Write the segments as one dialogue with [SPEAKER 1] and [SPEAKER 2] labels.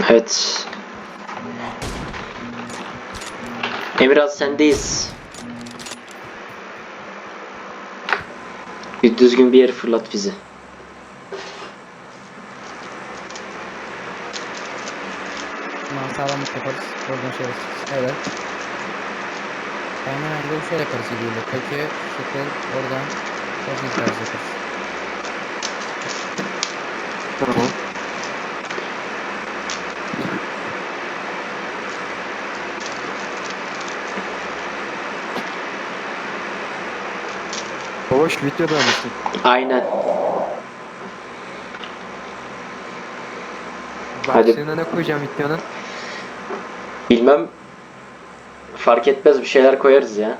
[SPEAKER 1] Evet. Emirhan sendeyiz. Bir düzgün bir yere fırlat bizi.
[SPEAKER 2] Bundan sağlamlık yaparız. Oradan şey yaparız. Evet. Hemen yolu şöyle yaparız gidiyorlar. Peki şekil oradan crossing tarzı yaparız.
[SPEAKER 3] Tamam. Hoş videoda mısın?
[SPEAKER 1] Aynen. Hadi.
[SPEAKER 3] Başlığına ne koyacağım videonun?
[SPEAKER 1] Bilmem. Fark etmez, bir şeyler koyarız ya.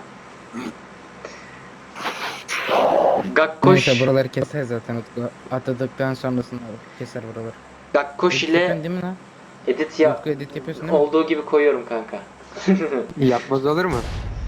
[SPEAKER 1] Gakkoş.
[SPEAKER 2] Neyse buraları keser zaten Utku. Atladıktan sonrasında keser buraları.
[SPEAKER 1] Gakkoş
[SPEAKER 2] Edit
[SPEAKER 1] ile
[SPEAKER 2] yapıyorsun değil mi lan?
[SPEAKER 1] edit ya
[SPEAKER 2] Utku edit yapıyorsun değil mi?
[SPEAKER 1] olduğu gibi koyuyorum kanka.
[SPEAKER 3] Yapmaz olur mu?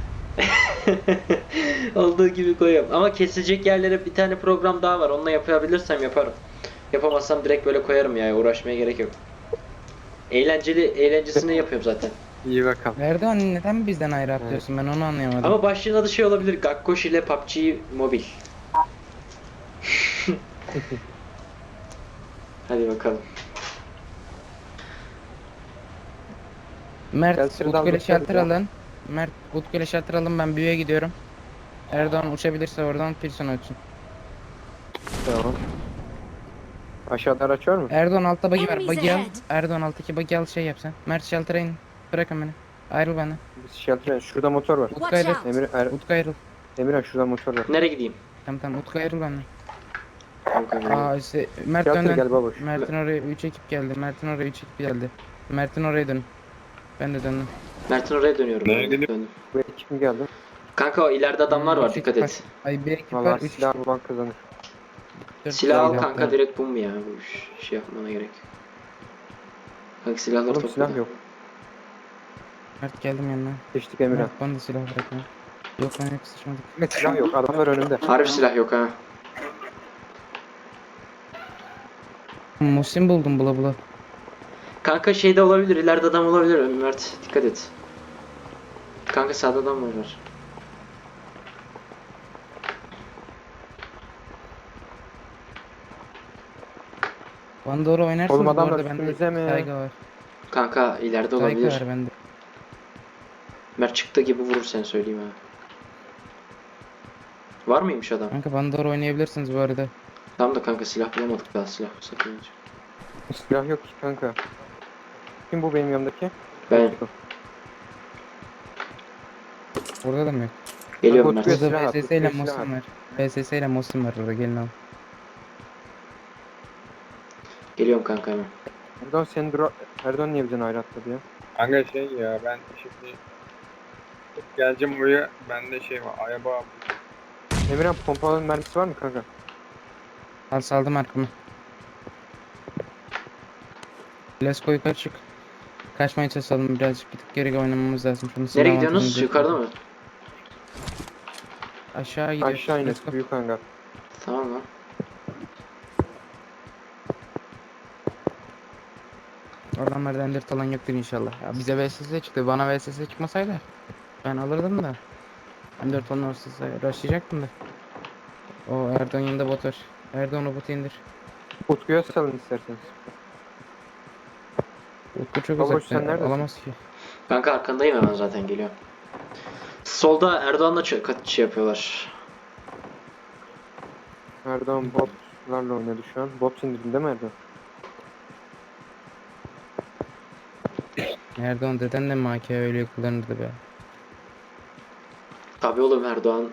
[SPEAKER 1] Olduğu gibi koyuyorum. Ama kesilecek yerlere bir tane program daha var. Onunla yapabilirsem yaparım. Yapamazsam direkt böyle koyarım ya. Uğraşmaya gerek yok. Eğlencesini yapıyorum zaten.
[SPEAKER 3] İyi bakalım.
[SPEAKER 2] Erdoğan neden bizden ayrı atlıyorsun? Ben onu anlayamadım.
[SPEAKER 1] Ama başlığın adı şey olabilir. Gakkoş ile PUBG Mobile. Hadi bakalım.
[SPEAKER 2] Mert
[SPEAKER 3] Gelsin
[SPEAKER 2] Utku ile
[SPEAKER 3] dalga
[SPEAKER 2] shelter
[SPEAKER 3] ya.
[SPEAKER 2] alın. Mert Utku ile shelter alın, ben büyüye gidiyorum. Erdoğan uçabilirse oradan Pilsen uçsun.
[SPEAKER 3] Tamam. Aşağıda araç var mı?
[SPEAKER 2] Erdoğan altta buggy var.
[SPEAKER 4] Enemies
[SPEAKER 2] Buggy al.
[SPEAKER 4] ahead.
[SPEAKER 2] Erdoğan alttaki buggy al, şey yap sen. Mert shelter'a in. Bırakın beni. Ayrıl benden.
[SPEAKER 3] Biz shelter'e. Şurada motor var.
[SPEAKER 2] Utku
[SPEAKER 4] Watch
[SPEAKER 2] ayrıl.
[SPEAKER 4] out.
[SPEAKER 2] Utku ayrıl.
[SPEAKER 3] Emirhan şurada motor var.
[SPEAKER 1] Nereye gideyim?
[SPEAKER 2] Tamam Utku ayrıl benden.
[SPEAKER 3] Kanka,
[SPEAKER 2] Aa işte Mert
[SPEAKER 3] Shelter
[SPEAKER 2] dön.
[SPEAKER 3] gel baboş.
[SPEAKER 2] Mert'in oraya 3 ekip geldi. Mert'in oraya 3 ekip geldi. Mert'in oraya dön. Ben de döndüm.
[SPEAKER 1] Mert'in oraya dönüyorum. Döndüm.
[SPEAKER 3] Bu ekip mi geldi?
[SPEAKER 1] Kanka o ileride adamlar var,
[SPEAKER 2] Üç
[SPEAKER 1] dikkat
[SPEAKER 2] ekip
[SPEAKER 1] et.
[SPEAKER 2] var. Ay bir ekip var.
[SPEAKER 3] Valla
[SPEAKER 2] 3
[SPEAKER 3] silah bulan kazanır.
[SPEAKER 1] Silah al kanka, direkt bu mu ya? Bu şey yapmana gerek. Kanka silahları
[SPEAKER 3] Oğlum
[SPEAKER 1] topla.
[SPEAKER 3] silah yok.
[SPEAKER 2] Mert geldim yanına.
[SPEAKER 3] Geçtik Emirhan.
[SPEAKER 2] Mert bana da silah bırakma. Yok lan yok, sıçmadık.
[SPEAKER 3] Silah yok. Adamlar önümde.
[SPEAKER 1] Harbi silah yok ha.
[SPEAKER 2] Musim buldum bula bula.
[SPEAKER 1] Kanka şeyde olabilir, ileride adam olabilir Mert, dikkat et. Kanka sağda adam var.
[SPEAKER 2] Bana doğru oynarsınız
[SPEAKER 3] Oğlum
[SPEAKER 2] bu
[SPEAKER 3] adamlar
[SPEAKER 2] arada, bende
[SPEAKER 3] üstümüze mi?
[SPEAKER 2] saygı var.
[SPEAKER 1] Kanka ileride
[SPEAKER 2] Saygı
[SPEAKER 1] olabilir.
[SPEAKER 2] var bende.
[SPEAKER 1] Mert çıktı gibi vurur, sen söyleyeyim ha. Var mıymış adam?
[SPEAKER 2] Kanka bana doğru oynayabilirsiniz bu arada.
[SPEAKER 1] Tamam da kanka silah bulamadık daha, silah sakın.
[SPEAKER 3] Silah yok ki kanka. Kim bu benim yanımdaki?
[SPEAKER 1] Ben
[SPEAKER 2] Burada da mı yok?
[SPEAKER 1] geliyorum
[SPEAKER 3] Kanka,
[SPEAKER 1] Mert.
[SPEAKER 3] Silah
[SPEAKER 2] Burada
[SPEAKER 3] at,
[SPEAKER 2] VSS ile
[SPEAKER 3] silah
[SPEAKER 2] Mosin
[SPEAKER 3] at.
[SPEAKER 2] var. VSS ile Mosin var burada, gelin al.
[SPEAKER 1] Geliyorum kanka hemen.
[SPEAKER 3] Erdoğan senin Erdoğan niye bizden ayrı atladı ya?
[SPEAKER 5] Kanka şey ya, ben şimdi geleceğim oraya, bende şey var, araba.
[SPEAKER 3] Emirhan pompalı mermisi var mı kanka?
[SPEAKER 2] Al, saldım arkamı. Lesko yukarı çık. Kaçmaya çalışalım, birazcık bir tık geri oynamamız lazım. Şunu
[SPEAKER 1] Nereye
[SPEAKER 2] silah
[SPEAKER 1] gidiyorsunuz?
[SPEAKER 2] avantajımızı
[SPEAKER 1] Yukarıda mı?
[SPEAKER 2] Aşağı gidiyoruz.
[SPEAKER 3] Aşağı iner.
[SPEAKER 2] Lesko.
[SPEAKER 3] Büyük hangar.
[SPEAKER 1] Tamam lan.
[SPEAKER 2] Oradan merdivenleri falan yoktur inşallah. Ya bize VSS çıktı. Bana VSS çıkmasaydı ben alırdım da. M4 falan olsa rushlayacaktım da. O Erdoğan yanında bot var. Erdoğan o botu indir.
[SPEAKER 3] Utku'ya salın isterseniz.
[SPEAKER 2] Utku çok
[SPEAKER 3] Baboş,
[SPEAKER 2] uzakta.
[SPEAKER 3] sen neredesin?
[SPEAKER 2] Alamaz ki.
[SPEAKER 1] Kanka arkandayım hemen, zaten geliyorum. Solda Erdoğan'la şey yapıyorlar.
[SPEAKER 3] Erdoğan botlarla oynadı şu an. Bot indirdin değil mi Erdoğan?
[SPEAKER 2] Erdoğan deden de MK öyle kullanırdı be.
[SPEAKER 1] Tabii oğlum, Erdoğan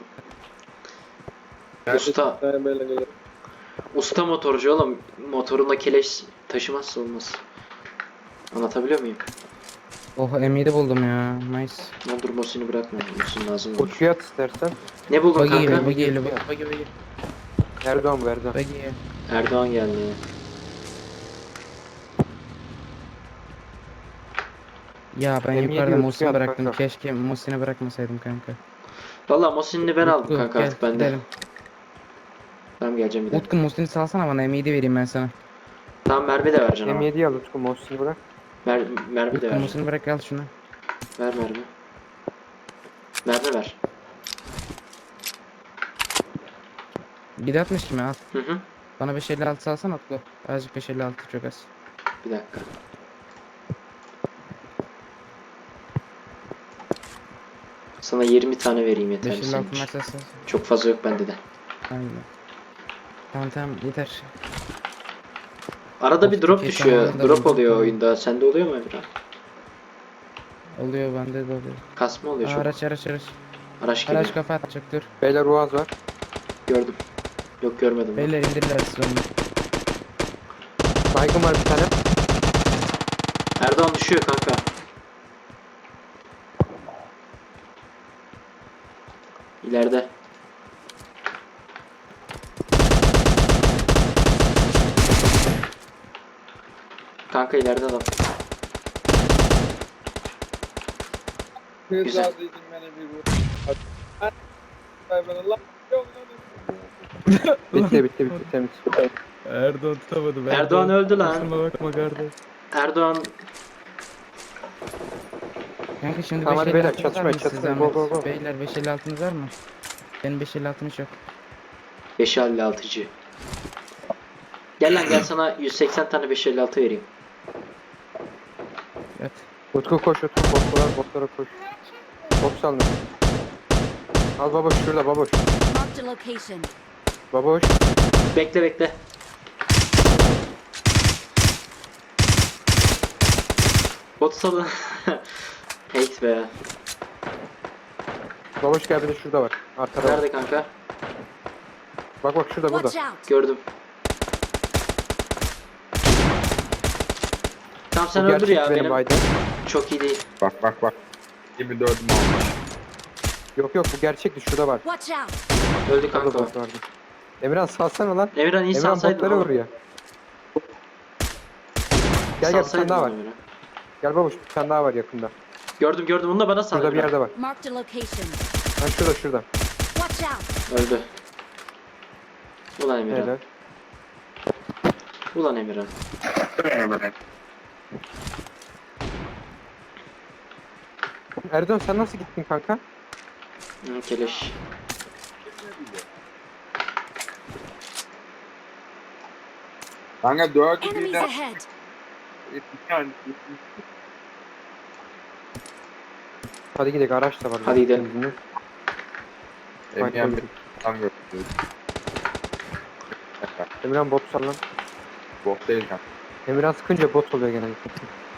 [SPEAKER 1] usta.
[SPEAKER 5] Böyle gelir.
[SPEAKER 1] Usta motorcu oğlum. Motorunda keleş taşımazsa olmaz. Anlatabiliyor muyum?
[SPEAKER 2] Oh, M7 buldum ya. Nice.
[SPEAKER 1] Ne olur Mosin'i bırakma. Mosin lazım olur.
[SPEAKER 3] Utku'ya at istersen.
[SPEAKER 1] Ne buldun
[SPEAKER 2] Buggy
[SPEAKER 1] kanka?
[SPEAKER 2] geliyor, buggy geliyor, buggy buggy.
[SPEAKER 3] Erdoğan bu Erdoğan.
[SPEAKER 2] Buggy geliyor.
[SPEAKER 1] Erdoğan geldi.
[SPEAKER 2] Ya ben
[SPEAKER 3] M7
[SPEAKER 2] yukarıda
[SPEAKER 3] Utku'ya
[SPEAKER 2] Mosin'i
[SPEAKER 3] at
[SPEAKER 2] bıraktım.
[SPEAKER 3] kanka.
[SPEAKER 2] Keşke Mosin'i bırakmasaydım kanka.
[SPEAKER 1] Valla Mosin'i ben aldım
[SPEAKER 2] Utku,
[SPEAKER 1] kanka,
[SPEAKER 2] gel,
[SPEAKER 1] artık bende.
[SPEAKER 2] gidelim.
[SPEAKER 1] Tamam, geleceğim bir dakika.
[SPEAKER 2] Utku Mosin'i salsana bana, M7 vereyim ben sana.
[SPEAKER 1] Tamam, mermi de vereceğim ama.
[SPEAKER 3] M7'yi al Utku. Mosin'i bırak.
[SPEAKER 1] Mermi de ver.
[SPEAKER 2] Kırmızını bırak al şunu.
[SPEAKER 1] Ver mermi. Mermi ver.
[SPEAKER 2] 7.60 kimi al.
[SPEAKER 1] Hı hı.
[SPEAKER 2] Bana 5.56 alsana Utku. Azıcık 5.56 çok az.
[SPEAKER 1] Bir dakika. Sana 20 tane vereyim yeterli
[SPEAKER 2] 5.56
[SPEAKER 1] senin için.
[SPEAKER 2] maç alsın.
[SPEAKER 1] Çok fazla yok bende de.
[SPEAKER 2] Aynen. Tamam yeter.
[SPEAKER 1] Arada bir
[SPEAKER 2] Of,
[SPEAKER 1] drop
[SPEAKER 2] ticket
[SPEAKER 1] düşüyor.
[SPEAKER 2] zamanında
[SPEAKER 1] Drop
[SPEAKER 2] buldum,
[SPEAKER 1] oluyor
[SPEAKER 2] tamam.
[SPEAKER 1] oyunda. Sende oluyor mu Emre?
[SPEAKER 2] Oluyor bende de oluyor.
[SPEAKER 1] Kasma oluyor
[SPEAKER 2] Aa,
[SPEAKER 1] çok.
[SPEAKER 2] araç.
[SPEAKER 1] Araç geliyor.
[SPEAKER 2] Araç kafa atacak dur.
[SPEAKER 3] Beyler Uaz var.
[SPEAKER 1] Gördüm. Yok görmedim ben.
[SPEAKER 2] Beyler indirdiler siz onu.
[SPEAKER 3] Baygın var bir tane.
[SPEAKER 1] Erdoğan düşüyor kanka. İleride. Kanka ileride adam. Güzel.
[SPEAKER 5] Kızlardaydın beni bir vur. Ben Allah.
[SPEAKER 3] Bitti temiz.
[SPEAKER 2] Erdoğan tutamadı.
[SPEAKER 1] Erdoğan öldü lan.
[SPEAKER 2] bakma kardeş.
[SPEAKER 1] Erdoğan
[SPEAKER 2] Kanka şimdi
[SPEAKER 3] Tamam, hadi
[SPEAKER 2] 5.56'nız
[SPEAKER 3] beyler,
[SPEAKER 2] var
[SPEAKER 3] çatışmayın,
[SPEAKER 2] mı size
[SPEAKER 3] çatışmayın.
[SPEAKER 2] zahmet?
[SPEAKER 3] Go, go, go.
[SPEAKER 2] Beyler 5.56'nız var mı? Benim 5.56'm yok.
[SPEAKER 1] 556'cı. Gel lan gel sana 180 tane 556 vereyim.
[SPEAKER 2] Evet.
[SPEAKER 3] Utku koş Utku. Botlara koş. Bot salın. Al baboş şurada baboş.
[SPEAKER 4] Marked a location.
[SPEAKER 3] Baboş.
[SPEAKER 1] Bekle. Bot salın. Hate be.
[SPEAKER 3] Baboş gel bir de şurada var. Arkada var.
[SPEAKER 1] Nerede kanka?
[SPEAKER 3] Bak şurada burada.
[SPEAKER 4] Watch out.
[SPEAKER 1] Gördüm. Tamam sen
[SPEAKER 3] Bu
[SPEAKER 1] öldür
[SPEAKER 3] gerçek
[SPEAKER 1] ya
[SPEAKER 3] benim
[SPEAKER 1] benim.
[SPEAKER 3] Aydın.
[SPEAKER 1] Çok iyi değil.
[SPEAKER 5] Bak. 24'üm almış.
[SPEAKER 3] Yok bu gerçekti şurada var.
[SPEAKER 4] Watch out.
[SPEAKER 1] Öldü
[SPEAKER 3] Burada
[SPEAKER 1] kanka.
[SPEAKER 3] bot vardı. Emirhan salsana lan.
[SPEAKER 1] Emirhan iyi
[SPEAKER 3] Emirhan
[SPEAKER 1] salsaydın
[SPEAKER 3] botları
[SPEAKER 1] oğlum.
[SPEAKER 3] vuruyor. Gel bir tane
[SPEAKER 1] Salsaydın
[SPEAKER 3] daha var.
[SPEAKER 1] onu Emirhan.
[SPEAKER 3] Gel baboş bir tane daha var yakında.
[SPEAKER 1] Gördüm onu da bana sal.
[SPEAKER 3] Şurada bir
[SPEAKER 1] Emirhan.
[SPEAKER 3] yerde var.
[SPEAKER 4] Marked a location.
[SPEAKER 3] Ha şurada.
[SPEAKER 4] Watch out.
[SPEAKER 1] Öldü. Ulan Emirhan.
[SPEAKER 3] Helal.
[SPEAKER 1] Ulan Emirhan.
[SPEAKER 3] Erdoğan sen nasıl gittin kanka?
[SPEAKER 1] Hı, keleş.
[SPEAKER 5] Kanka 4
[SPEAKER 4] Enemies
[SPEAKER 5] birden
[SPEAKER 4] ahead.
[SPEAKER 3] Hadi gidelim araç da var.
[SPEAKER 1] Hadi gidelim.
[SPEAKER 3] Benzinli.
[SPEAKER 5] Emniyen bir tam götürüyoruz.
[SPEAKER 3] Emirhan bot sal lan.
[SPEAKER 5] Bok değil kanka.
[SPEAKER 3] Emirhan sıkınca bot oluyor genellikle.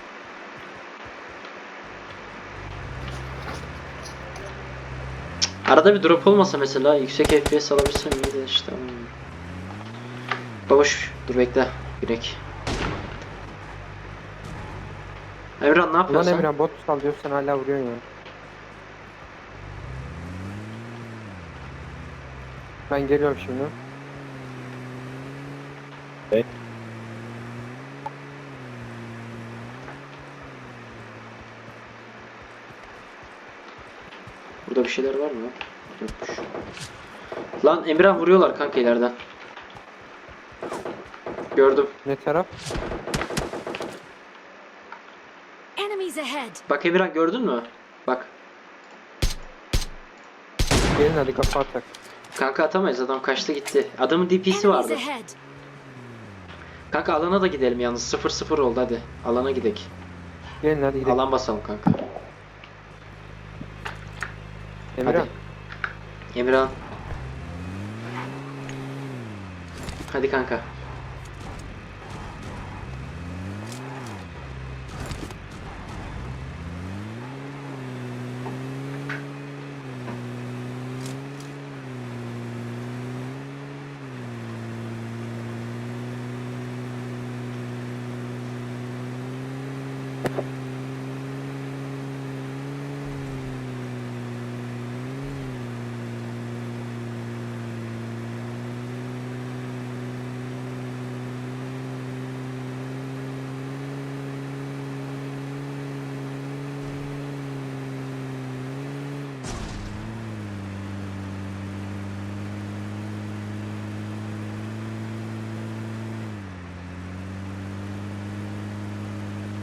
[SPEAKER 1] Arada bir drop olmasa mesela yüksek FPS alabilsem iyiydi işte. Babuş dur bekle. Girek. Emirhan ne
[SPEAKER 3] Ulan
[SPEAKER 1] yapıyorsun sen?
[SPEAKER 3] Emirhan bot sal diyorsun sen hala vuruyorsun ya. Ben geliyorum şimdi.
[SPEAKER 1] Burada bir şeyler var mı? Yokmuş. Lan Emirhan vuruyorlar kanka ileriden. Gördüm.
[SPEAKER 3] Ne taraf?
[SPEAKER 4] Enemies ahead.
[SPEAKER 1] Bak Emirhan gördün mü? Bak.
[SPEAKER 3] Gelin hadi kafa atak.
[SPEAKER 1] Kanka atamayız adam kaçtı gitti. Adamın DP'si
[SPEAKER 4] Enemies
[SPEAKER 1] vardı.
[SPEAKER 4] ahead.
[SPEAKER 1] Kanka alana da gidelim yalnız 0-0 oldu hadi. Alana gidelim.
[SPEAKER 3] Gelin hadi gidelim.
[SPEAKER 1] Alan basalım kanka.
[SPEAKER 3] Emirhan.
[SPEAKER 1] Hadi. Emirhan. Hadi kanka.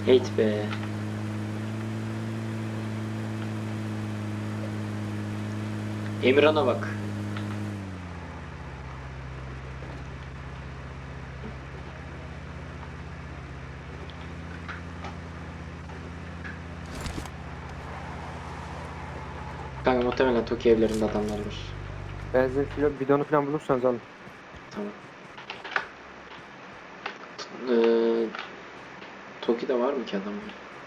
[SPEAKER 1] Hate be. Emirhan'a bak. Kanka muhtemelen Toki evlerinde adamlar var.
[SPEAKER 3] Benzin bidonu falan bulursanız alın.
[SPEAKER 1] Tamam. Eee Toki'de var mı ki adam?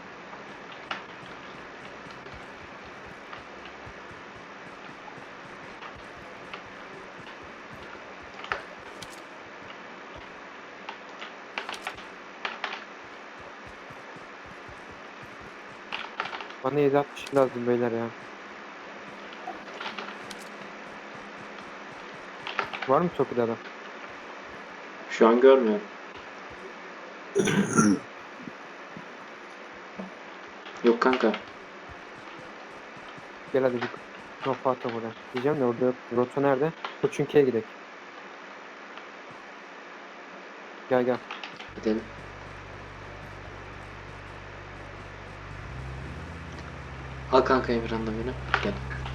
[SPEAKER 3] Bana 7.62 lazım beyler ya. Var mı Toki'de adam?
[SPEAKER 1] Şu an görmüyorum. Yok kanka.
[SPEAKER 3] Gel hadi bir kafa atalım oraya. Diyeceğim de orada yok. Rota nerede? Koçunki'ye gidelim. Gel gel.
[SPEAKER 1] Gidelim. Al kanka Emirhan'la beni. Gel.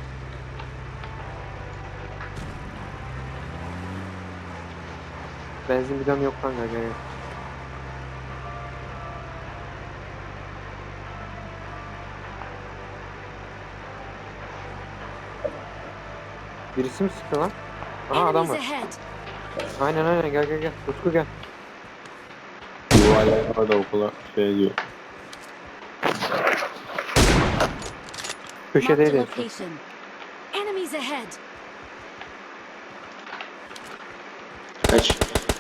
[SPEAKER 3] Benzin bidonu yok kanka gel. Gel. Birisi mi sıktı lan? Aha adam
[SPEAKER 4] Enemies
[SPEAKER 3] var.
[SPEAKER 4] ahead.
[SPEAKER 3] Aynen gel gel gel. Utku gel.
[SPEAKER 5] Yuvarlayan orada okula şey diyor.
[SPEAKER 4] Marked a
[SPEAKER 3] Köşedeydi. en son.
[SPEAKER 4] location. Enemies ahead.
[SPEAKER 1] Kaç.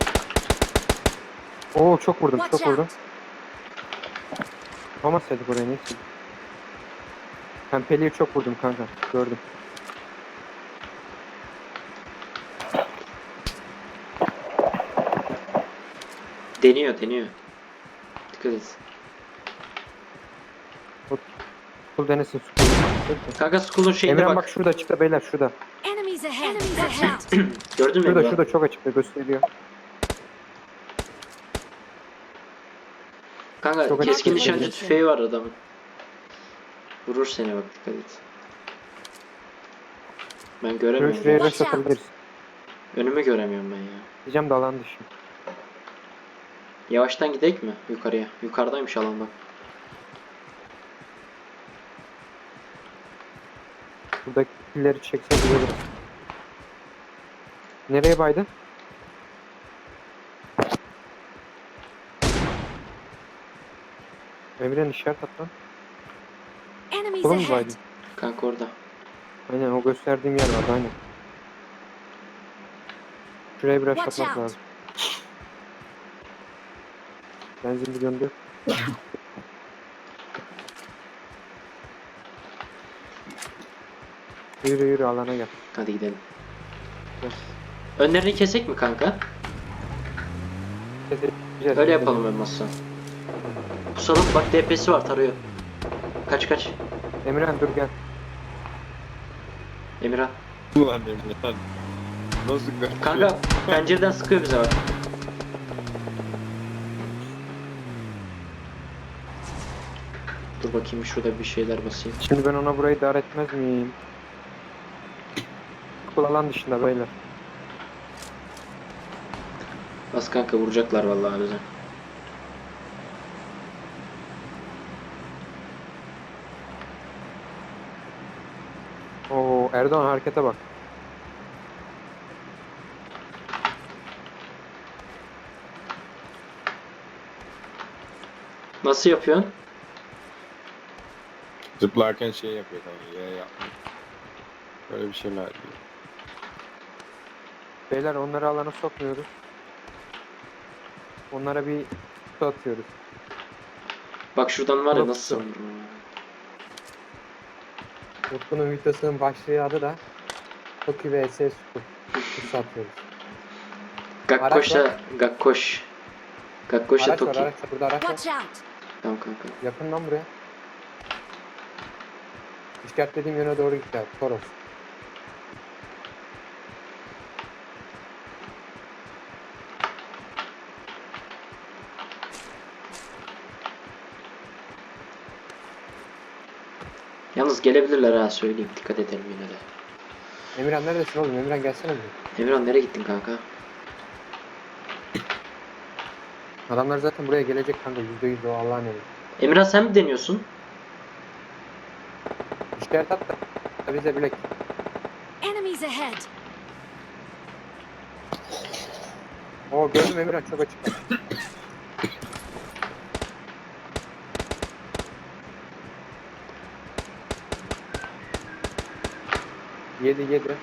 [SPEAKER 3] Oo çok vurdum
[SPEAKER 4] Watch
[SPEAKER 3] çok vurdum.
[SPEAKER 4] out.
[SPEAKER 3] Yapamasaydık oraya neyse. Peli'yi çok vurdum kanka. Gördüm.
[SPEAKER 1] Deniyor deniyor. Dikkat et.
[SPEAKER 3] Kul denesin su.
[SPEAKER 1] Kanka Skull'un şeyine
[SPEAKER 3] Emirhan
[SPEAKER 1] bak.
[SPEAKER 3] bak şurada açıkta beyler şurada.
[SPEAKER 4] Enemies ahead. Enemies ahead.
[SPEAKER 1] Gördün mü
[SPEAKER 3] Şurada
[SPEAKER 1] Emirhan?
[SPEAKER 3] şurada çok açıkta gösteriyor.
[SPEAKER 1] Kanka
[SPEAKER 3] Çok
[SPEAKER 1] keskin
[SPEAKER 3] açık
[SPEAKER 1] nişancı
[SPEAKER 4] gösteriyor.
[SPEAKER 1] tüfeği var adamın. Vurur seni bak dikkat et. Ben
[SPEAKER 3] Şuraya
[SPEAKER 1] göremiyorum.
[SPEAKER 3] şuraya
[SPEAKER 4] Watch
[SPEAKER 3] rush
[SPEAKER 4] out.
[SPEAKER 3] atabiliriz.
[SPEAKER 1] Önümü göremiyorum ben ya.
[SPEAKER 3] Diyeceğim de alan dışı.
[SPEAKER 1] Yavaştan gidelim mi yukarıya? Yukarıdaymış alan bak.
[SPEAKER 3] Buradaki pilleri çekse güzel olur. Nereye baydın? Emirhan işaret at lan.
[SPEAKER 4] Enemies
[SPEAKER 3] Oğlum mu
[SPEAKER 4] ahead.
[SPEAKER 3] baydın?
[SPEAKER 1] Kanka orada.
[SPEAKER 3] Aynen o gösterdiğim yer vardı aynen. Şuraya bir rush
[SPEAKER 4] Watch
[SPEAKER 3] atmak
[SPEAKER 4] out.
[SPEAKER 3] lazım. Benzin bidonu yok. Yürü yürü alana gel.
[SPEAKER 1] Hadi gidelim.
[SPEAKER 3] Gel.
[SPEAKER 1] Önlerini kesek mi kanka?
[SPEAKER 3] Güzel,
[SPEAKER 1] Öyle
[SPEAKER 3] güzel.
[SPEAKER 1] yapalım en masa. Pusalım bak DP'si var tarıyor. Kaç kaç.
[SPEAKER 3] Emirhan dur gel.
[SPEAKER 1] Emirhan.
[SPEAKER 5] Ulan Emre nasıl kaçıyor?
[SPEAKER 1] Kanka pencereden sıkıyor bize bak. Dur bakayım şurada bir şeyler basayım.
[SPEAKER 3] Şimdi ben ona burayı dar etmez miyim? Kul alan dışında beyler.
[SPEAKER 1] Bas kanka vuracaklar vallahi bize.
[SPEAKER 3] Oo Erdoğan harekete bak.
[SPEAKER 1] Nasıl yapıyorsun?
[SPEAKER 5] Zıplarken şey yapıyor kanka yere yapmıyor. Böyle bir şeyler diyor.
[SPEAKER 3] Beyler onları alana sokmuyoruz. Onlara bir kutu atıyoruz.
[SPEAKER 1] Bak şuradan var ya
[SPEAKER 3] Yok,
[SPEAKER 1] nasıl
[SPEAKER 3] yok.
[SPEAKER 1] vururum.
[SPEAKER 3] Utku'nun videosunun başlığı adı da Toki vs Utku. Kutu atıyoruz.
[SPEAKER 1] Gakkoş'a Gakkoş. Gakkoş'a
[SPEAKER 3] Araç var
[SPEAKER 1] Toki.
[SPEAKER 3] araç var. Burada araç var.
[SPEAKER 4] Watch out.
[SPEAKER 1] Tamam kanka.
[SPEAKER 3] Yakından buraya. İşaretlediğim yöne doğru gitti. Toros.
[SPEAKER 1] Yalnız gelebilirler ha, söyleyeyim. Dikkat edelim yine de.
[SPEAKER 3] Emirhan neredesin oğlum? Emirhan gelsene buraya.
[SPEAKER 1] Emirhan nereye gittin kanka?
[SPEAKER 3] Adamlar zaten buraya gelecek kanka. %100 o Allah'ın emri.
[SPEAKER 1] Emirhan sen mi deniyorsun?
[SPEAKER 3] İşler tat da bize bilek.
[SPEAKER 4] Enemies ahead!
[SPEAKER 3] Oo gördüm Emirhan çok açık. Yedi.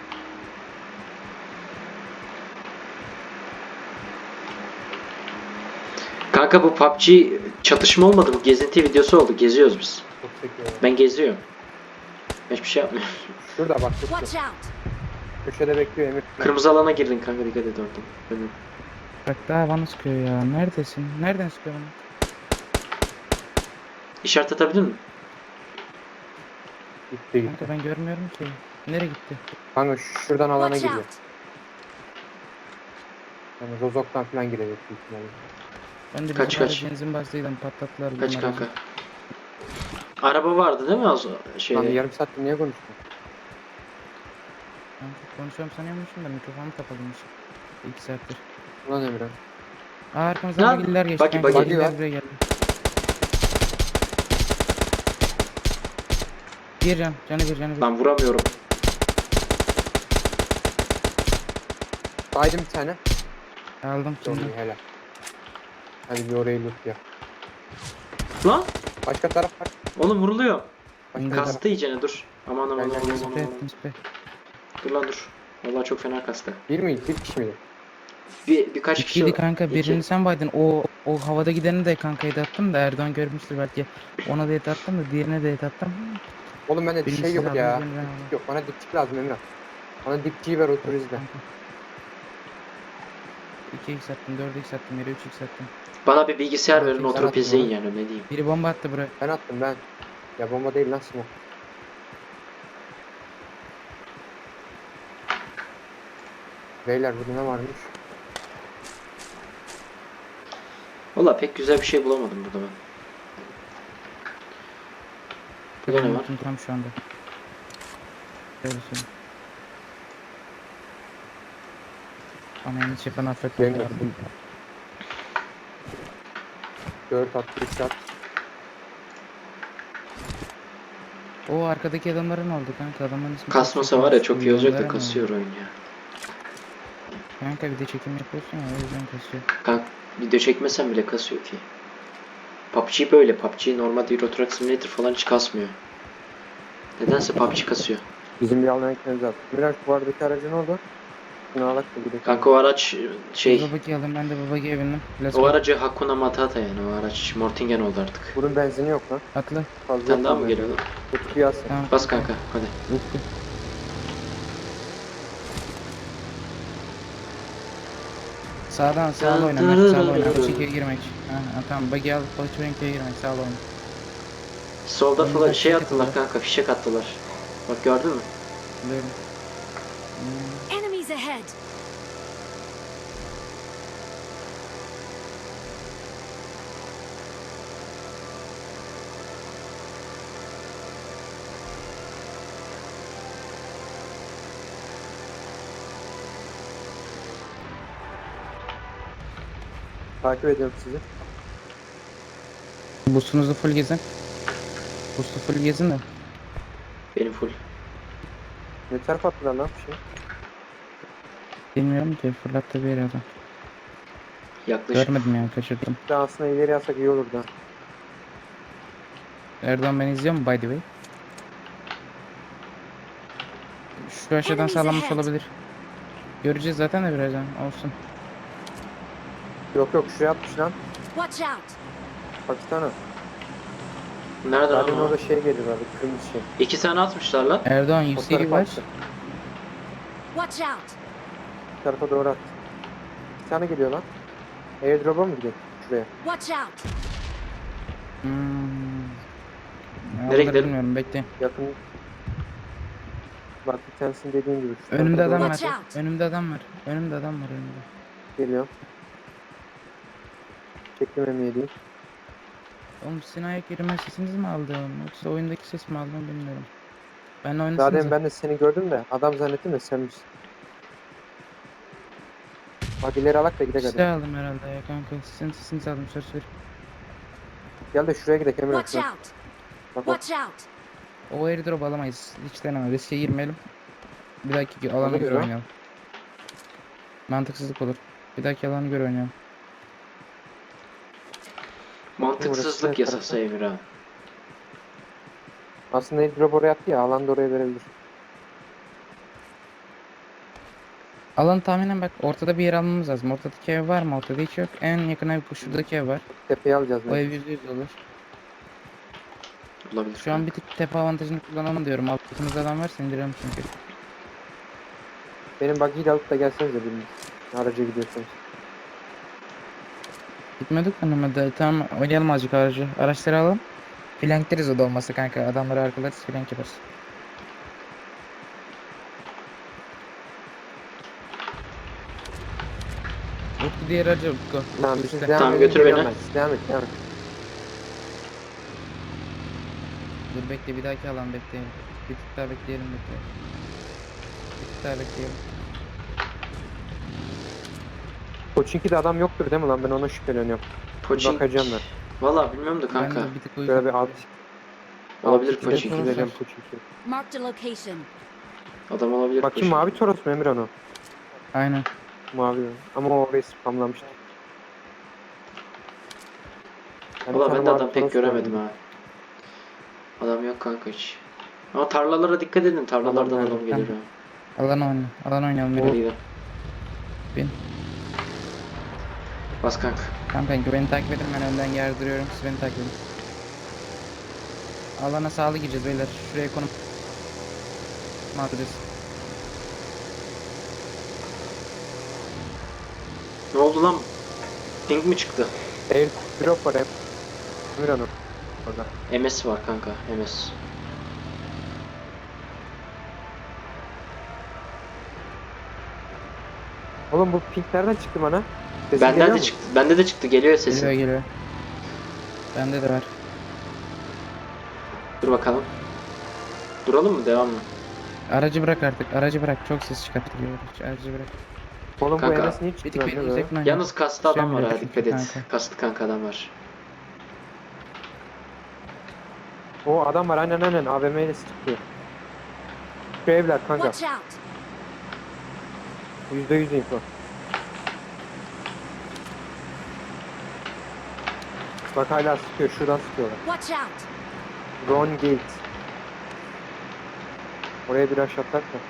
[SPEAKER 1] Kanka bu PUBG çatışma olmadı, bu gezinti videosu oldu. Geziyoruz biz.
[SPEAKER 3] Çok sekiyor.
[SPEAKER 1] Ben geziyorum. Hiçbir şey yapmıyorum.
[SPEAKER 3] Şurada bak.
[SPEAKER 4] Watch
[SPEAKER 3] Şurada.
[SPEAKER 4] out!
[SPEAKER 3] Köşede bekliyor Emir.
[SPEAKER 1] Kırmızı alana girdin kanka, dikkat et oradan. Önüm.
[SPEAKER 2] Bak daha bana sıkıyor ya. Neredesin? Nereden sıkıyor bana?
[SPEAKER 1] İşaret atabilir mi?
[SPEAKER 3] Gitti.
[SPEAKER 2] Kanka ben görmüyorum ki. Nereye gitti?
[SPEAKER 3] Kanka şuradan alana
[SPEAKER 4] Watch
[SPEAKER 3] giriyor.
[SPEAKER 4] out!
[SPEAKER 3] Yani Rozok'tan falan girecek büyük ihtimalle.
[SPEAKER 2] Ben de
[SPEAKER 1] Kaç,
[SPEAKER 2] bizim
[SPEAKER 1] kaç?
[SPEAKER 2] benzin bastıydım, patlattılar.
[SPEAKER 1] Kaç
[SPEAKER 2] bunlar
[SPEAKER 1] kanka?
[SPEAKER 2] bizi.
[SPEAKER 1] Araba vardı değil mi az şey?
[SPEAKER 3] Lan yarım saattir niye konuştun?
[SPEAKER 2] Kanka konuşuyorum sanıyormuşum da mikrofonum kapalıymış. 2 saattir.
[SPEAKER 3] Ulan Emirhan.
[SPEAKER 2] Aa arkamızdan
[SPEAKER 1] Lan,
[SPEAKER 2] bagiller geçti.
[SPEAKER 1] bagi,
[SPEAKER 2] kanka,
[SPEAKER 1] bagi
[SPEAKER 2] bagiller
[SPEAKER 3] var.
[SPEAKER 2] buraya geldi. Bir can, canı bir.
[SPEAKER 1] Lan vuramıyorum.
[SPEAKER 3] Baydım bir tane.
[SPEAKER 2] Aldım
[SPEAKER 3] Çok
[SPEAKER 2] şimdi.
[SPEAKER 3] iyi helal. Hadi bir orayı loot ya.
[SPEAKER 1] Lan
[SPEAKER 3] Başka taraf var.
[SPEAKER 1] oğlum vuruluyor.
[SPEAKER 3] Başka
[SPEAKER 2] Gel,
[SPEAKER 3] taraf.
[SPEAKER 1] Kastı iyicene, dur. Aman aman
[SPEAKER 3] Gel,
[SPEAKER 1] aman
[SPEAKER 3] gel,
[SPEAKER 1] aman
[SPEAKER 2] Mispe,
[SPEAKER 1] aman.
[SPEAKER 2] mispe.
[SPEAKER 1] Dur lan dur. Vallahi çok fena kastı.
[SPEAKER 3] Bir miydi? Bir kişi miydi?
[SPEAKER 1] Birkaç kişi
[SPEAKER 2] İkiydi kanka,
[SPEAKER 1] İki.
[SPEAKER 2] birini sen baydın. O havada gideni de kankayı da attım da Erdoğan görmüştür belki. Ona da et attım da diğerine de et attım.
[SPEAKER 3] Oğlum bende
[SPEAKER 2] Birini
[SPEAKER 3] şey
[SPEAKER 2] siz
[SPEAKER 3] yok
[SPEAKER 2] aldınız,
[SPEAKER 3] ya.
[SPEAKER 2] birini ben aldım.
[SPEAKER 3] Dipçik yok. Bana dipçik lazım Emirhan. Bana dipçiyi ver otur izle.
[SPEAKER 2] Kanka. 2x attım, 4x attım, yere 3x attım.
[SPEAKER 1] Bana bir bilgisayar verin,
[SPEAKER 3] Sen
[SPEAKER 1] oturup
[SPEAKER 3] attın
[SPEAKER 1] izleyin
[SPEAKER 3] onu.
[SPEAKER 1] yani, ne diyeyim.
[SPEAKER 2] Biri bomba attı buraya.
[SPEAKER 3] Ben attım ben. Ya bomba değil lan smoke. Beyler burada ne varmış?
[SPEAKER 1] Valla pek güzel bir şey bulamadım burada ben. Burada ne var?
[SPEAKER 2] Tam şu anda. Şöyle söyleyeyim. Anayını çepen affet.
[SPEAKER 3] Benim de. 4 at, 3 at.
[SPEAKER 2] O arkadaki adamların oldu kanka, adamların ismi.
[SPEAKER 1] Kasmasa var ya çok iyi olacak da
[SPEAKER 2] Milyonlara mı
[SPEAKER 1] kasıyor
[SPEAKER 2] oldu?
[SPEAKER 1] oyun ya.
[SPEAKER 2] Kanka bir de çekim yapıyorsun ya, o yüzden kasıyor.
[SPEAKER 1] Kanka video çekmesen bile kasıyor ki. PUBG böyle. PUBG normalde Euro Truck Simulator falan hiç kasmıyor. Nedense PUBG kasıyor.
[SPEAKER 3] Bizim bir alan ekmemiz lazım. Biraz bu aradaki aracı ne oldu? Şunu alak da gidelim.
[SPEAKER 1] Kanka o araç şey,
[SPEAKER 2] Babaki aldım, ben de babakiye bindim. Let's
[SPEAKER 1] o
[SPEAKER 2] go.
[SPEAKER 1] aracı Hakuna Matata yani, o araç Mortingen oldu artık.
[SPEAKER 3] Bunun benzini yok lan.
[SPEAKER 2] Atla.
[SPEAKER 3] Fazla
[SPEAKER 1] Bir tane daha
[SPEAKER 3] yok
[SPEAKER 1] mı
[SPEAKER 3] lan
[SPEAKER 1] geliyor lan?
[SPEAKER 3] benzini. Kutuyu alsın.
[SPEAKER 2] Tamam.
[SPEAKER 1] Bas kanka hadi.
[SPEAKER 2] Bitti. Sağdan sağ oyna, Mert sağ oyna. Çikiye girmek. Ha, tamam, bagi al, Poçurenki'ye girmek, sağ oyna.
[SPEAKER 1] Solda
[SPEAKER 2] Önümüzden
[SPEAKER 1] falan şey
[SPEAKER 2] fişek
[SPEAKER 1] attılar
[SPEAKER 2] atıyorlar.
[SPEAKER 1] kanka, fişek attılar. Bak gördün mü?
[SPEAKER 2] Böyle.
[SPEAKER 4] Enemies ahead!
[SPEAKER 3] Takip ediyorum sizi.
[SPEAKER 2] Boost'unuzu full gezin. Boost'u full gezin de.
[SPEAKER 1] Benim full.
[SPEAKER 3] Ne tarafa attılar lan bir şey?
[SPEAKER 2] Bilmiyorum ki, fırlattı bir yere adam.
[SPEAKER 1] Yaklaşık.
[SPEAKER 2] Görmedim yani, kaçırdım.
[SPEAKER 3] Bir daha aslında ileri alsak iyi olurdu ha.
[SPEAKER 2] Erdoğan beni izliyor mu by the way? Şu aşağıdan
[SPEAKER 4] Enemies
[SPEAKER 2] sağlamış
[SPEAKER 4] ahead.
[SPEAKER 2] olabilir. Göreceğiz zaten de birazdan, olsun.
[SPEAKER 3] Yok şuraya atmış lan.
[SPEAKER 4] Watch out!
[SPEAKER 3] Baksana.
[SPEAKER 1] Nereden
[SPEAKER 3] Zaten
[SPEAKER 1] ama?
[SPEAKER 3] orada şey geliyorlardı. Kırmızı şey.
[SPEAKER 1] 2 tane atmışlar lan.
[SPEAKER 2] Erdoğan
[SPEAKER 3] O
[SPEAKER 2] UC
[SPEAKER 3] tarafa
[SPEAKER 2] var.
[SPEAKER 3] attı.
[SPEAKER 4] Watch out!
[SPEAKER 3] Bu tarafa doğru attı. Bir tane geliyor lan. Airdrop'a mı gidelim? Şuraya.
[SPEAKER 4] Watch out!
[SPEAKER 2] Nereye
[SPEAKER 1] Nereye gidelim?
[SPEAKER 2] Bilmiyorum, bekle.
[SPEAKER 3] Yakın. Bak bir tanesinin dediğin gibi. şu
[SPEAKER 2] Önümde
[SPEAKER 3] tarafa
[SPEAKER 2] adam
[SPEAKER 3] doğru
[SPEAKER 2] var.
[SPEAKER 4] Watch out.
[SPEAKER 2] Önümde adam var. Önümde adam var önümde.
[SPEAKER 3] Geliyor. Çektim M7'yi.
[SPEAKER 2] Oğlum sizin ayak yerime sesiniz mi aldım? Yoksa oyundaki ses mi aldım bilmiyorum. Benle oynasınız.
[SPEAKER 3] Zaten ben de seni gördüm de adam zannettim de sen misin? Bak ileri alak da gidelim hadi.
[SPEAKER 2] Silah aldım herhalde ya kanka. Sizin sesinizi aldım söz ver.
[SPEAKER 3] Gel de şuraya gidelim Emirhan.
[SPEAKER 4] Watch
[SPEAKER 3] şuna.
[SPEAKER 4] out!
[SPEAKER 3] Bak bak.
[SPEAKER 4] Watch out!
[SPEAKER 2] O airdrop alamayız. Hiç deneme. Riske girmeyelim. Bir dahaki alana
[SPEAKER 3] Ona
[SPEAKER 2] göre
[SPEAKER 3] göre.
[SPEAKER 2] oynayalım. Mantıksızlık olur. Bir dahaki alanı göre oynayalım.
[SPEAKER 1] Mantıksızlık
[SPEAKER 3] Burası
[SPEAKER 1] yasası Emirhan.
[SPEAKER 3] Aslında airdrop oraya attı ya alan da oraya verebilir.
[SPEAKER 2] Alanı tahminen bak ortada bir yer almamız lazım. Ortadaki ev var mı? Ortada hiç yok. En yakın ev bu şuradaki ev var.
[SPEAKER 3] Tepeye alacağız.
[SPEAKER 2] O
[SPEAKER 3] Ne?
[SPEAKER 2] ev %100 olur.
[SPEAKER 1] Olabilir.
[SPEAKER 2] Şu an bir tık tepe avantajını kullanalım diyorum. Altımızda adam varsa indirelim çünkü.
[SPEAKER 3] Benim buggy'yi alıp da gelsenize biriniz. Araca gidiyorsanız.
[SPEAKER 2] Gitmedik mi Mehmet? Tamam oynayalım azıcık aracı. Araçları alalım. Flankleriz o da olmasa kanka. Adamları arkalarız flank yaparız. Utku diğer aracı Utku.
[SPEAKER 3] Tamam
[SPEAKER 2] Utku
[SPEAKER 3] biz
[SPEAKER 2] işte.
[SPEAKER 3] devam
[SPEAKER 1] Tamam,
[SPEAKER 3] edelim,
[SPEAKER 1] götür beni.
[SPEAKER 3] geliyorum ben. Siz devam et devam et.
[SPEAKER 2] Dur bekle bir dahaki alan bekleyelim. Bir tık daha bekleyelim bekleyelim. Bir tık daha bekleyelim.
[SPEAKER 3] Koçinki'de adam yoktur değil mi lan? Ben ona şüpheleniyorum.
[SPEAKER 1] Poçink.
[SPEAKER 3] Bakacağım ben.
[SPEAKER 1] Valla bilmiyorum da
[SPEAKER 2] Ben
[SPEAKER 1] kanka.
[SPEAKER 2] de bir tık
[SPEAKER 3] Şöyle
[SPEAKER 2] uygun.
[SPEAKER 3] bir alt.
[SPEAKER 1] Olabilir
[SPEAKER 3] Altı
[SPEAKER 1] Koçinki.
[SPEAKER 3] kere gideceğim Koçinki.
[SPEAKER 4] Marked a location.
[SPEAKER 1] Adam olabilir
[SPEAKER 3] Bakayım
[SPEAKER 1] Poçink.
[SPEAKER 3] mavi Toros mu Emirhan o?
[SPEAKER 2] Aynen.
[SPEAKER 3] Mavi. Ama o orayı spamlamıştı. Yani bir
[SPEAKER 1] Valla
[SPEAKER 3] tane
[SPEAKER 1] ben de
[SPEAKER 3] mavi
[SPEAKER 1] adam pek
[SPEAKER 3] Toros
[SPEAKER 1] göremedim
[SPEAKER 3] gördüm.
[SPEAKER 1] ha. Adam yok kanka hiç. Ama tarlalara dikkat edin. Tarlalardan
[SPEAKER 3] Adam
[SPEAKER 1] adam gelir ha.
[SPEAKER 2] Alan oynayalım. Alan oynayalım.
[SPEAKER 1] Hadi
[SPEAKER 2] Biri.
[SPEAKER 1] gidelim.
[SPEAKER 2] Bin.
[SPEAKER 1] Bas kanka.
[SPEAKER 2] Tamam kanka beni takip edin ben önden yardırıyorum. Siz beni takip edin. Alana sağlı gireceğiz beyler. Şuraya konum. Adres.
[SPEAKER 1] Ne oldu lan? Ping mi çıktı?
[SPEAKER 3] Airdrop var Emirhan o. Orada.
[SPEAKER 1] MS var kanka. MS.
[SPEAKER 3] Oğlum bu pink nereden çıktı bana? Sesi geliyor
[SPEAKER 1] Benden de
[SPEAKER 3] mu?
[SPEAKER 1] çıktı. Bende de çıktı. Geliyor sesi.
[SPEAKER 2] Geliyor geliyor. Bende de var.
[SPEAKER 1] Dur bakalım. Duralım mı? Devam mı?
[SPEAKER 2] Aracı bırak artık. Aracı bırak. Çok ses çıkartıyor. Aracı bırak.
[SPEAKER 3] Oğlum bu
[SPEAKER 1] Kanka,
[SPEAKER 3] Enes niye
[SPEAKER 2] Bir
[SPEAKER 3] çıktı
[SPEAKER 2] tık beni
[SPEAKER 3] bende böyle?
[SPEAKER 2] uzaktan oynayalım.
[SPEAKER 1] Yalnız kastı adam var
[SPEAKER 2] Şöyle
[SPEAKER 1] ha.
[SPEAKER 2] çünkü
[SPEAKER 1] Dikkat et.
[SPEAKER 2] kanka.
[SPEAKER 1] Kastı kanka adam var.
[SPEAKER 3] O adam var aynen AVM ile sıkıyor. Şu evler kanka.
[SPEAKER 4] Watch out!
[SPEAKER 3] %100 info. Bak hala sıkıyor. Şuradan sıkıyorlar.
[SPEAKER 4] Watch out!
[SPEAKER 3] Ron Gates. Oraya bir aşağı atlar da.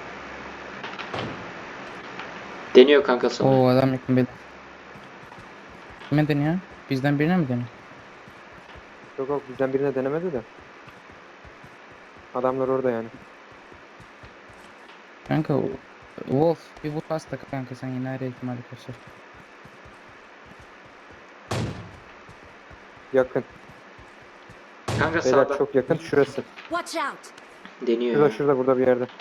[SPEAKER 1] Deniyor kanka sana.
[SPEAKER 2] Oo adam yakın beni. Kime deniyor? Bizden birine mi deniyor?
[SPEAKER 3] Yok yok bizden birine denemedi de. Adamlar orada yani.
[SPEAKER 2] Kanka Wolf bir vur pasta kanka sen yine her ihtimali kaçır.
[SPEAKER 3] Yakın.
[SPEAKER 1] Kanka
[SPEAKER 3] Beyler
[SPEAKER 1] sağda.
[SPEAKER 3] çok yakın. Şurası.
[SPEAKER 4] Watch out!
[SPEAKER 1] Deniyor
[SPEAKER 3] Şurada
[SPEAKER 1] ya.
[SPEAKER 3] şurada burada bir yerde.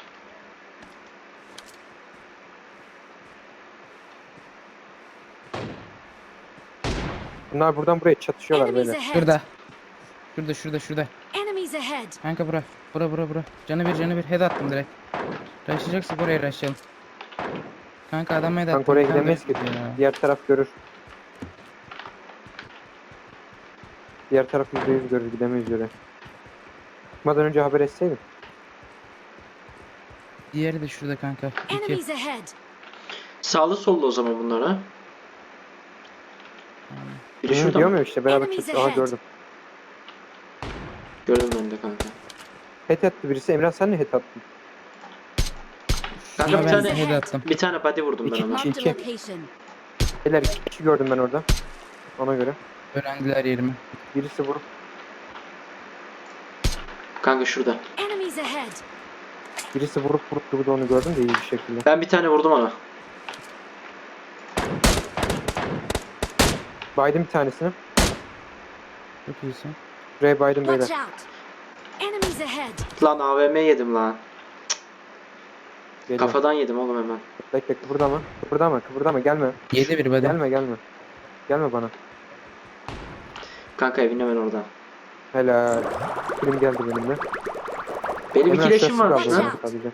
[SPEAKER 3] Bunlar buradan buraya çatışıyorlar
[SPEAKER 4] Enemies
[SPEAKER 3] böyle.
[SPEAKER 4] ahead!
[SPEAKER 2] Şurada. Şurada.
[SPEAKER 4] Enemies ahead!
[SPEAKER 2] Kanka bura. Canı bir head attım direkt. Rushlayacaksak oraya rushlayalım. Kanka adam head attım.
[SPEAKER 3] Kanka oraya
[SPEAKER 2] bir tane
[SPEAKER 3] gidemeyiz ki.
[SPEAKER 2] de- Ya.
[SPEAKER 3] Diğer taraf görür. Diğer taraf %100 görür. Gidemeyiz oraya. Çıkmadan önce haber etseydin.
[SPEAKER 2] Diğeri de şurada kanka. İki.
[SPEAKER 4] Enemies ahead!
[SPEAKER 1] Sağlı sollu o zaman bunlar ha. Biri şurada
[SPEAKER 3] Diyorum
[SPEAKER 1] mı?
[SPEAKER 3] ya işte beraber
[SPEAKER 4] Enemies
[SPEAKER 3] çatışıyor. Aha
[SPEAKER 4] ahead.
[SPEAKER 3] gördüm.
[SPEAKER 1] Gördüm ben de kanka.
[SPEAKER 3] Het attı birisi. Emrah sen ne het attın?
[SPEAKER 1] Kanka
[SPEAKER 2] Şuna
[SPEAKER 1] bir
[SPEAKER 2] ben
[SPEAKER 1] tane
[SPEAKER 2] head attım.
[SPEAKER 1] bir tane body vurdum ben
[SPEAKER 3] İki-
[SPEAKER 1] ona.
[SPEAKER 4] Marked a
[SPEAKER 3] İki.
[SPEAKER 4] location.
[SPEAKER 3] Beyler 2 kişi gördüm ben orada. Ona göre.
[SPEAKER 2] Öğrendiler yerimi.
[SPEAKER 3] Birisi vurup
[SPEAKER 1] Kanka şurada.
[SPEAKER 4] Enemies ahead!
[SPEAKER 3] vurup durdu onu gördüm de iyi bir şekilde.
[SPEAKER 1] Ben bir tane vurdum ona.
[SPEAKER 3] Baydım bir tanesini.
[SPEAKER 2] Çok iyisin.
[SPEAKER 3] Buraya baydım beyler.
[SPEAKER 4] Watch out! Enemies ahead!
[SPEAKER 1] Lan AVM yedim lan.
[SPEAKER 3] Geliyor.
[SPEAKER 1] Kafadan yedim oğlum hemen.
[SPEAKER 3] Bekle kıpırdama gelme.
[SPEAKER 2] Yedi bir body.
[SPEAKER 3] Gelme bana.
[SPEAKER 1] Kanka evin hemen orada.
[SPEAKER 3] Helal. Film geldi benimle.
[SPEAKER 1] Benim
[SPEAKER 3] Emre
[SPEAKER 1] iki leşim
[SPEAKER 3] şurası
[SPEAKER 1] varmış
[SPEAKER 3] kaldı
[SPEAKER 1] lan.
[SPEAKER 3] Emre sadece.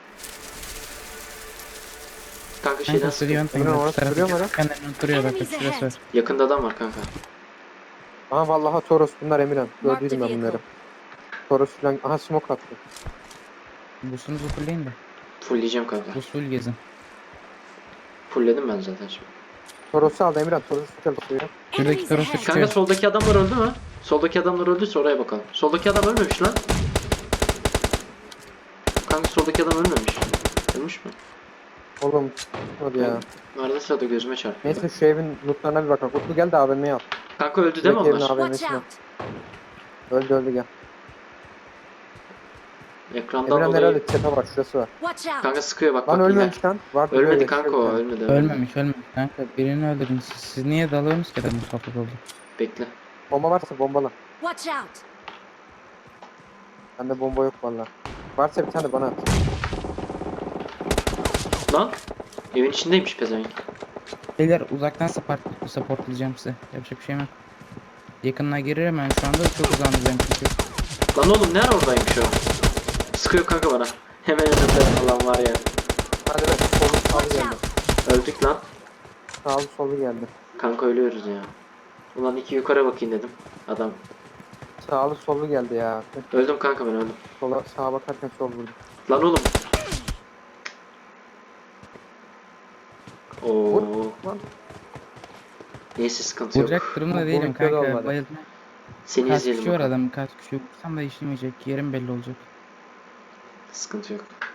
[SPEAKER 1] Kanka şeyden
[SPEAKER 2] Kanka
[SPEAKER 1] sıkıyor.
[SPEAKER 2] sürüyor.
[SPEAKER 3] Emre orası duruyor mu lan?
[SPEAKER 2] Kendinden duruyor bak.
[SPEAKER 4] Enemies
[SPEAKER 2] Şurası var.
[SPEAKER 4] ahead.
[SPEAKER 1] Yakında adam var kanka.
[SPEAKER 3] Aha vallahi Toros bunlar Emirhan.
[SPEAKER 4] Mark the
[SPEAKER 3] Gördüydüm ben bunları.
[SPEAKER 4] vehicle.
[SPEAKER 3] Toros falan. Aha smoke attı.
[SPEAKER 2] Busunuzu fullleyin de.
[SPEAKER 1] Fullleyeceğim kanka.
[SPEAKER 2] Busul gezin.
[SPEAKER 1] Fullledim ben zaten şimdi.
[SPEAKER 3] Toros'u aldı Emirhan. Toros'u çalıştırıyor.
[SPEAKER 2] Şuradaki
[SPEAKER 4] Enemies
[SPEAKER 2] Toros'u
[SPEAKER 4] ahead.
[SPEAKER 2] çıkıyor.
[SPEAKER 1] Kanka soldaki adamlar öldü mü? Soldaki adamlar öldüyse oraya bakalım. Soldaki adam ölmemiş lan. Kanka soldaki adam ölmemiş. Ölmüş mü?
[SPEAKER 3] Oğlum. Hadi ya.
[SPEAKER 1] Arada sırada gözüme çarpıyor.
[SPEAKER 3] Neyse şu evin lootlarına bir bakalım. Utlu gel de AVM'ye al.
[SPEAKER 1] Kanka öldü değil mi
[SPEAKER 3] Direkt yerine
[SPEAKER 1] onlar?
[SPEAKER 3] AVM'sine.
[SPEAKER 4] Watch out.
[SPEAKER 3] Öldü gel.
[SPEAKER 1] Ekrandan
[SPEAKER 3] Emirhan
[SPEAKER 1] dolayı.
[SPEAKER 3] herhalde tepe var. Şurası var.
[SPEAKER 4] Watch out.
[SPEAKER 1] Kanka sıkıyor bak
[SPEAKER 3] Lan
[SPEAKER 1] bak yine.
[SPEAKER 3] ölmemiş lan. Var
[SPEAKER 1] Ölmedi
[SPEAKER 3] duruyor,
[SPEAKER 1] kanka
[SPEAKER 3] yaşıyor
[SPEAKER 1] o
[SPEAKER 3] bir tane.
[SPEAKER 1] ölmedi.
[SPEAKER 2] Ölmemiş kanka. Birini öldürdün. Siz niye dalıyorsunuz ki adamın sohbet oldu?
[SPEAKER 1] Bekle.
[SPEAKER 3] Bomba varsa bombala.
[SPEAKER 4] Watch out.
[SPEAKER 3] Bende bomba yok valla. Varsa bir tane bana at.
[SPEAKER 1] Lan. Evin içindeymiş pezevenk.
[SPEAKER 2] Beyler uzaktan supportlayacağım size. Yapacak bir şeyim yok. Yakınına girerim ben şu anda çok uzandıracağım çünkü.
[SPEAKER 1] Lan oğlum nerede oradaymış o? Sıkıyor kanka bana. Hemen önümde falan var ya.
[SPEAKER 3] Hadi be. Solu sağlı
[SPEAKER 4] Watch
[SPEAKER 3] geldi.
[SPEAKER 4] out.
[SPEAKER 1] Öldük lan.
[SPEAKER 3] Sağlı solu geldi.
[SPEAKER 1] Kanka ölüyoruz ya. Ulan iki yukarı bakayım dedim. Adam.
[SPEAKER 3] Sağlı solu geldi ya.
[SPEAKER 1] Öldüm kanka ben öldüm.
[SPEAKER 3] Sola sağa bakarken sol vurdu.
[SPEAKER 1] Lan oğlum. Oo.
[SPEAKER 3] Vur. Lan.
[SPEAKER 1] Neyse sıkıntı yok.
[SPEAKER 2] Vuracak durumda
[SPEAKER 3] Bu
[SPEAKER 2] değilim
[SPEAKER 3] boyutları
[SPEAKER 2] kanka.
[SPEAKER 3] olmadı.
[SPEAKER 2] Bayıldım.
[SPEAKER 1] Seni
[SPEAKER 2] Kaç
[SPEAKER 1] izleyelim
[SPEAKER 2] kişi var
[SPEAKER 1] bakalım.
[SPEAKER 2] adamın kaç kişi. Vursam da işlemeyecek. Yerim belli olacak.
[SPEAKER 1] Sıkıntı yok.